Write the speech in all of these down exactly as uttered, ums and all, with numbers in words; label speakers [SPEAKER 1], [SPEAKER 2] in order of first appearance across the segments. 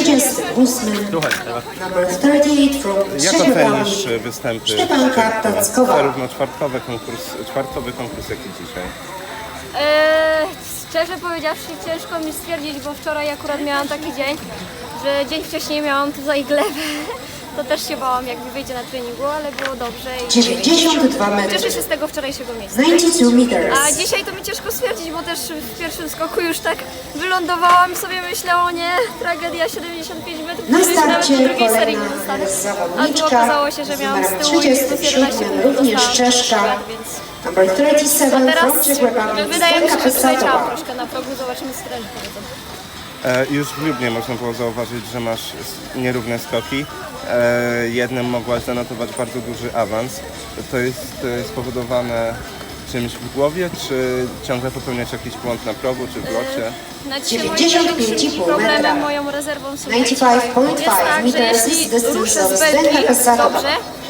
[SPEAKER 1] trzydziestym ósmym.
[SPEAKER 2] Słuchaj,
[SPEAKER 1] Number trzydzieści osiem from
[SPEAKER 2] jak
[SPEAKER 1] Trzeźwiewami.
[SPEAKER 2] ocenisz występy
[SPEAKER 1] Szczepanka Tackowa.
[SPEAKER 2] zarówno czwartkowy konkurs, czwartkowy konkurs, jak i dzisiaj?
[SPEAKER 3] Eee, szczerze powiedziawszy, ciężko mi stwierdzić, bo wczoraj akurat miałam taki dzień, że dzień wcześniej miałam tutaj glebę. To też się bałam, jak mi wyjdzie na treningu, ale było dobrze. I
[SPEAKER 1] dziewięćdziesiąt dwa metry.
[SPEAKER 3] cieszę się z tego wczorajszego miejsca.
[SPEAKER 1] dziewięćdziesiąt dwa meters.
[SPEAKER 3] A dzisiaj to mi ciężko stwierdzić, bo też w pierwszym skoku już tak wylądowałam i sobie myślę, o nie, tragedia, siedemdziesiąt pięć metrów,
[SPEAKER 1] Na
[SPEAKER 3] już nawet
[SPEAKER 1] starcie
[SPEAKER 3] do drugiej serii nie
[SPEAKER 1] kolejna
[SPEAKER 3] dostanę. A tu
[SPEAKER 1] zawodniczka
[SPEAKER 3] okazało się, że
[SPEAKER 1] z
[SPEAKER 3] miałam z
[SPEAKER 1] numerem
[SPEAKER 3] tyłu i plus
[SPEAKER 1] trzydziestym
[SPEAKER 3] jedenaście
[SPEAKER 1] siódmym,
[SPEAKER 3] punktów
[SPEAKER 1] również
[SPEAKER 3] dostałam,
[SPEAKER 1] Czeszka.
[SPEAKER 3] więc...
[SPEAKER 1] Number trzydzieści
[SPEAKER 3] A
[SPEAKER 1] siedem
[SPEAKER 3] teraz
[SPEAKER 1] from Czech Republic.
[SPEAKER 3] wydaje mi się,
[SPEAKER 1] Zdenka
[SPEAKER 3] że przeleciałam
[SPEAKER 1] Pesatowa.
[SPEAKER 3] troszkę na progu, zobaczymy co trenerzy powiedzą.
[SPEAKER 2] E, już w Lubnie można było zauważyć, że masz s- nierówne skoki. E, jednym mogłaś zanotować bardzo duży awans. To jest e, spowodowane czymś w głowie, czy ciągle popełniać jakiś błąd na progu, czy w locie?
[SPEAKER 3] Na dzisiaj
[SPEAKER 1] dziewięćdziesiąt
[SPEAKER 3] moim
[SPEAKER 1] pięć i
[SPEAKER 3] największym
[SPEAKER 1] pół
[SPEAKER 3] problemem,
[SPEAKER 1] metra.
[SPEAKER 3] moją rezerwą są
[SPEAKER 1] dziewięćdziesiąt pięć
[SPEAKER 3] jest
[SPEAKER 1] przecinek
[SPEAKER 3] tak,
[SPEAKER 1] pięć
[SPEAKER 3] że
[SPEAKER 1] meters
[SPEAKER 3] jeśli
[SPEAKER 1] distance
[SPEAKER 3] ruszę
[SPEAKER 1] of
[SPEAKER 3] z
[SPEAKER 1] Zdenka
[SPEAKER 3] belki
[SPEAKER 1] Pesatowa.
[SPEAKER 3] dobrze,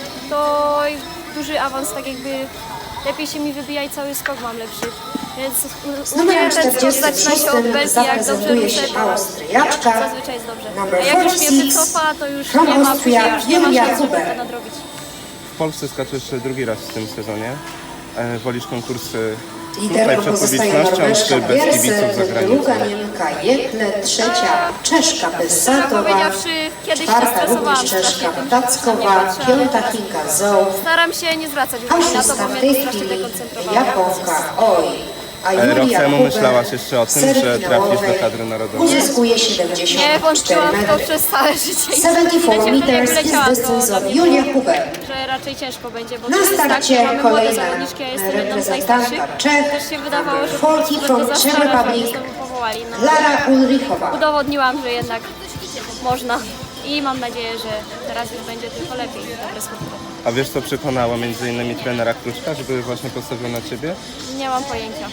[SPEAKER 3] to duży awans tak jakby lepiej się mi wybija i cały skok mam lepszy. Więc
[SPEAKER 1] Z
[SPEAKER 3] u mnie
[SPEAKER 1] numerem
[SPEAKER 3] ten skok
[SPEAKER 1] czterdziestym
[SPEAKER 3] zaczyna się od
[SPEAKER 1] szóstym
[SPEAKER 3] belki, jak dobrze
[SPEAKER 1] zaprezentuje
[SPEAKER 3] ruszę,
[SPEAKER 1] się
[SPEAKER 3] to
[SPEAKER 1] Austriaczka.
[SPEAKER 3] zazwyczaj jest dobrze.
[SPEAKER 1] Number
[SPEAKER 3] A jak już mnie
[SPEAKER 1] czterdzieści sześć
[SPEAKER 3] wycofa, to już
[SPEAKER 1] from
[SPEAKER 3] nie ma,
[SPEAKER 1] Austria,
[SPEAKER 3] później już nie ma
[SPEAKER 1] Julia
[SPEAKER 3] szans, żeby
[SPEAKER 1] Huber.
[SPEAKER 3] to nadrobić.
[SPEAKER 2] W Polsce skaczesz drugi raz w tym sezonie. E, wolisz konkursy tutaj
[SPEAKER 1] Liderką
[SPEAKER 2] przed
[SPEAKER 1] pozostaje
[SPEAKER 2] publicznością,
[SPEAKER 1] Norweszka
[SPEAKER 2] czy bez kibiców za
[SPEAKER 1] Biersen,
[SPEAKER 2] granicą?
[SPEAKER 1] druga Niemka Jekle, trzecia Czeszka
[SPEAKER 3] Szczerze
[SPEAKER 1] Pesatowa,
[SPEAKER 3] powiedziawszy, kiedyś się
[SPEAKER 1] czwarta
[SPEAKER 3] stresowałam
[SPEAKER 1] również Czeszka
[SPEAKER 3] strasznie tym, że
[SPEAKER 1] Tackowa,
[SPEAKER 3] nie patrzę, ale
[SPEAKER 1] piąta
[SPEAKER 3] teraz
[SPEAKER 1] Chinka Zoł,
[SPEAKER 3] staram się nie zwracać
[SPEAKER 1] a
[SPEAKER 3] uwagi na to,
[SPEAKER 1] szósta
[SPEAKER 3] bo
[SPEAKER 1] w
[SPEAKER 3] mnie
[SPEAKER 1] tej
[SPEAKER 3] to strasznie
[SPEAKER 1] chwili
[SPEAKER 3] dekoncentrowało.
[SPEAKER 1] Japonka Oj. A
[SPEAKER 2] E, Rok
[SPEAKER 1] Julia
[SPEAKER 2] temu
[SPEAKER 1] Huber
[SPEAKER 2] myślałaś jeszcze o
[SPEAKER 1] w
[SPEAKER 2] tym,
[SPEAKER 1] serii
[SPEAKER 2] że trafisz
[SPEAKER 1] finałowej
[SPEAKER 2] do kadry narodowej?
[SPEAKER 1] uzyskuje
[SPEAKER 3] Nie
[SPEAKER 1] siedemdziesiąt
[SPEAKER 3] wątpiłam
[SPEAKER 1] cztery
[SPEAKER 3] w to
[SPEAKER 1] metry.
[SPEAKER 3] przez całe życie. I
[SPEAKER 1] siedemdziesiąt cztery
[SPEAKER 3] wtedy, jak
[SPEAKER 1] meters is
[SPEAKER 3] wyleciałam, to
[SPEAKER 1] distance
[SPEAKER 3] dla
[SPEAKER 1] of
[SPEAKER 3] mnie
[SPEAKER 1] Julia
[SPEAKER 3] było,
[SPEAKER 1] Huber.
[SPEAKER 3] że raczej ciężko będzie, bo
[SPEAKER 1] Na
[SPEAKER 3] to jest tak,
[SPEAKER 1] starcie
[SPEAKER 3] że mamy młode
[SPEAKER 1] kolejna
[SPEAKER 3] zawodniczki, ja jestem jedną z
[SPEAKER 1] reprezentantka
[SPEAKER 3] najstarszych.
[SPEAKER 1] Czech,
[SPEAKER 3] Też się wydawało, że po
[SPEAKER 1] number
[SPEAKER 3] prostu
[SPEAKER 1] czterdzieści
[SPEAKER 3] będę za
[SPEAKER 1] from Czech
[SPEAKER 3] stara, żeby
[SPEAKER 1] Republic,
[SPEAKER 3] znowu powołali. No,
[SPEAKER 1] Lara Ulrichowa.
[SPEAKER 3] udowodniłam, że jednak można i mam nadzieję, że teraz już będzie tylko lepiej. Dobre skutki.
[SPEAKER 2] A wiesz, co przekonało między innymi trenera Kruczka, żeby właśnie postawił na ciebie?
[SPEAKER 3] Nie mam pojęcia.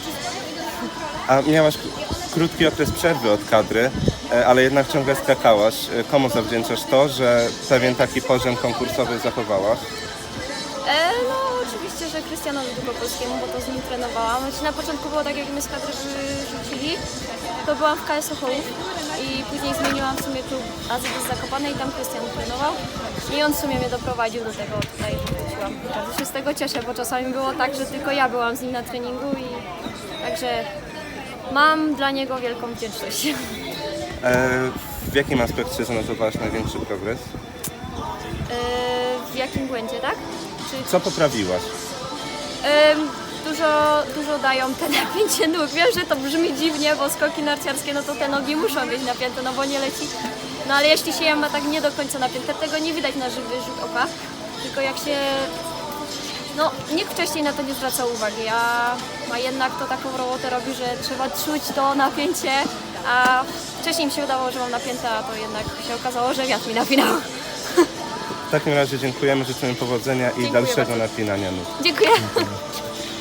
[SPEAKER 2] A miałaś k- krótki okres przerwy od kadry, e, ale jednak ciągle skakałaś. E, Komu zawdzięczasz to, że pewien taki poziom konkursowy zachowałaś?
[SPEAKER 3] E, no oczywiście, że Krystianowi Długopolskiemu, bo to z nim trenowałam. Znaczy, na początku było tak, jak mnie z kadry wyrzucili, to byłam w K S Ochołów i później zmieniłam w sumie klub A Z D z Zakopanej i tam Krystian trenował. I on w sumie mnie doprowadził do tego, tutaj wróciłam. Bardzo się z tego cieszę, bo czasami było tak, że tylko ja byłam z nim na treningu i także mam dla niego wielką wdzięczność.
[SPEAKER 2] E, W jakim aspekcie zanotowałaś największy progres?
[SPEAKER 3] E, w jakim błędzie, tak? Czy
[SPEAKER 2] Co poprawiłaś?
[SPEAKER 3] Ym, dużo, dużo dają te napięcie nóg. Wiem, że to brzmi dziwnie, bo skoki narciarskie, no to te nogi muszą być napięte, no bo nie leci. No ale jeśli się je ma tak nie do końca napięte, tego nie widać na żywy rzut oka. Tylko jak się... No, nikt wcześniej na to nie zwracał uwagi, a, a jednak to taką robotę robi, że trzeba czuć to napięcie, a wcześniej mi się wydawało, że mam napięte, a to jednak się okazało, że wiatr mi napinał.
[SPEAKER 2] W takim razie dziękujemy, życzymy powodzenia i
[SPEAKER 3] Dziękuję
[SPEAKER 2] dalszego
[SPEAKER 3] bardzo.
[SPEAKER 2] napinania nóg.
[SPEAKER 3] Dziękuję.